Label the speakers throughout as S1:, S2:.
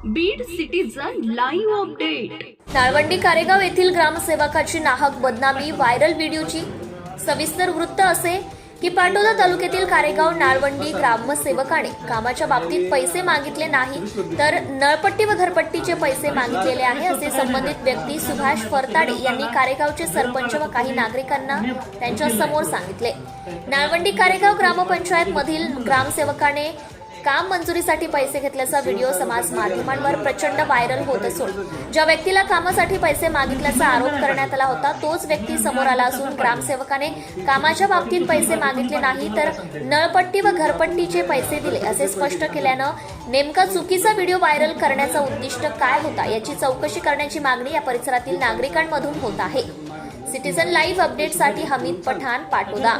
S1: Beed citizen live update.
S2: Nalwandi Karegaon येथील ग्रामसेवकाची नाहक बदनामी, व्हायरल व्हिडिओची सविस्तर वृत्त असे की पाटोदा तालुक्यातील कारेगाव नाळवंडी ग्रामसेवकाने कामाच्या बाबतीत पैसे मागितले नाही तर नळपट्टी व घरपट्टीचे पैसे मागितलेले आहे असे संबंधित व्यक्ती सुभाष फरताडे यांनी कारेगावचे सरपंच व काही नागरिकांना त्यांच्या समोर सांगितले. नाळवंडी कारेगाव ग्रामपंचायत मधील ग्रामसेवकाने काम मंजुरीसाठी पैसे घेतल्याचा व्हिडिओ समाज माध्यमांवर प्रचंड व्हायरल होत असून ज्या व्यक्तीला कामासाठी पैसे मागितल्याचा आरोप करण्यात आला होता तोच व्यक्ती समोर आला असून ग्रामसेवकाने कामाच्या बाबतीत पैसे मागितले नाही तर नळपट्टी व घरपट्टीचे पैसे दिले असे स्पष्ट केल्यानं नेमका चुकीचा व्हिडिओ व्हायरल करण्याचा उद्दिष्ट काय होता याची चौकशी करण्याची मागणी या परिसरातील नागरिकांमधून होत आहे. सिटीजन लाईव्ह अपडेटसाठी हमीद पठाण, पाटोदा.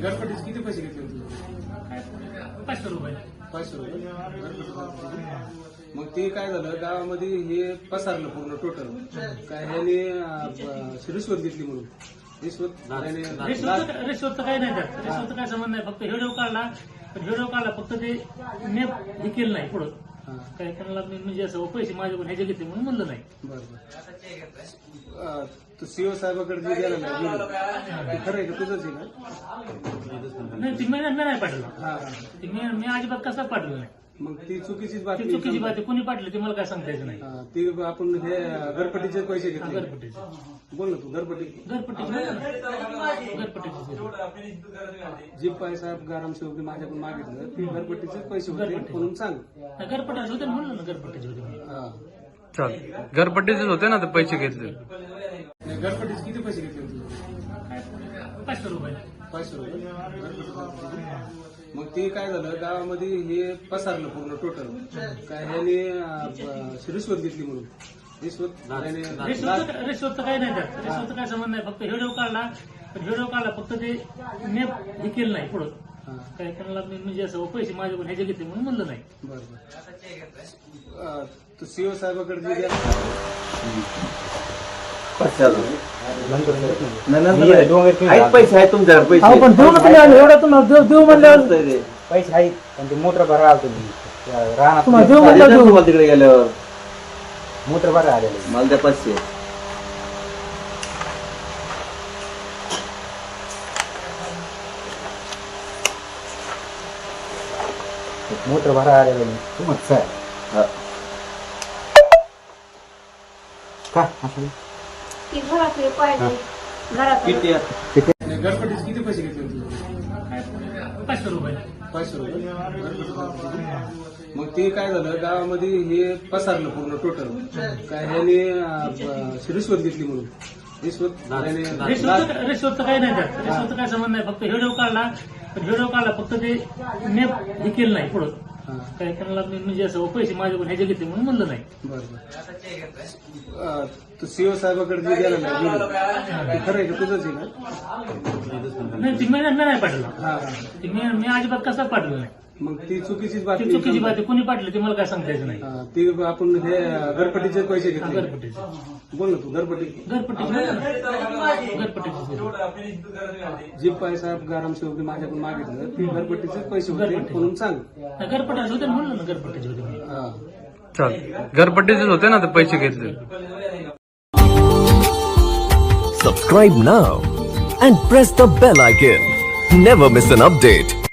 S3: 500 रुपये. मग ते काय झालं, गावामध्ये हे पसरलं पूर्ण टोटल. काय ह्याने रिश्वत घेतली म्हणून रिश्वत
S4: काही नाही त्यात. रिश्वत काय संबंध नाही. फक्त व्हिडिओ काढला फक्त ते मी हे केलं नाही पुढं काय त्यांना म्हणजे असं पैसे माझ्याकडून ह्याचे घेतले म्हणून म्हणलं नाही.
S3: बरोबर. तू सीओ साहेबाकडे जे गेला नाही खरं आहे का, तुझंच आहे का?
S4: नाही, ती मी नाही पाठवलं. मी अजिबात कसं पाठवलं नाही.
S3: मग ती चुकीचीच बातमी.
S4: चुकीची बात कोणी पाठवली ते मला काय सांगता यायचं नाही.
S3: ती आपण हे घरपट्टीचे पैसे घेतले.
S4: घरपट्टीचे
S3: बोल ना तू. घरपट्टी जी पैसा ग्रामसेवक माझ्याकडून मागितलं ते घरपट्टीचे पैसे होते म्हणून सांग.
S4: घरपट्टीचे होते म्हणलं ना, घरपट्टीचे होते.
S5: चाल घरपट्टीचेच होते ना ते पैसे घेतले.
S3: घरपट्टीचे किती पैसे घेतले?
S4: 500 रुपये.
S3: 500 रुपये. मग ते काय झालं, गावामध्ये हे पसरलं पूर्ण टोटल. काय ह्याने रिश्वत घेतली म्हणून रिश्वत
S4: काही नाही त्यात. रिश्वत काय संबंध नाही. फक्त व्हिडिओ काढला फक्त ते मी हे केलं नाही पुढं काय त्यांना म्हणजे असं पैसे माझ्याकडून ह्याचे घेतले म्हणून म्हणलं नाही.
S3: बरोबर. तू सीओ साहेबाकडे जे गेला
S6: पैसे आहेत तुमच्याकडे? पैसे
S7: पण देऊ नका एवढा तुम्हाला देऊ म्हणल्यावर पैसे आहेत पण ते मोटर भरा आलो तुम्ही राहणार देऊ म्हणलं
S6: तिकडे गेल्यावर
S7: मोटर भरा आलेलं
S6: मला त्या 500.
S7: मोटर भरा आलेलं तुम्हाला सर का असं
S3: घरपट्टीचे किती पैसे घेतले?
S4: 500 रुपये.
S3: 500 रुपये. मग ते काय झालं, गावामध्ये हे पसरलं पूर्ण टोटल. काय ह्याने रिश्वत घेतली म्हणून रिश्वत
S4: काही नाही त्यात. रिश्वत काय संबंध नाही. फक्त व्हिडिओ काढला फक्त ते मी हे केलं नाही पुढं काय त्यांना म्हणजे असं पैसे माझ्याकडून ह्याचे घेतले म्हणून म्हणलं नाही.
S3: बरोबर. तू सीओ साहेबाकडे जे गेला नाही खरं आहे का, तुझंच आहे का?
S4: नाही, ती मी नाही पाठवलं. मी अजिबात कसं पाठवलं नाही.
S3: मग ती चुकीचीच बातमी.
S4: चुकीची बात कोणी पाठवली ते मला काय सांगता यायचं नाही.
S3: ती आपण हे घरपट्टीचे पैसे घेतले.
S4: घरपट्टीचे.
S3: बोल ना तू. घरपट्टी जी पैसा ग्रामसेवक माझ्याकडून मागितलं ते घरपट्टीचे पैसे होते म्हणून सांग.
S4: घरपट्टीचे होते म्हणलं ना, घरपट्टीचे होते.
S5: चाल घरपट्टीचेच होते ना ते पैसे घेतले.
S8: Subscribe now and press the bell icon. Never miss an update.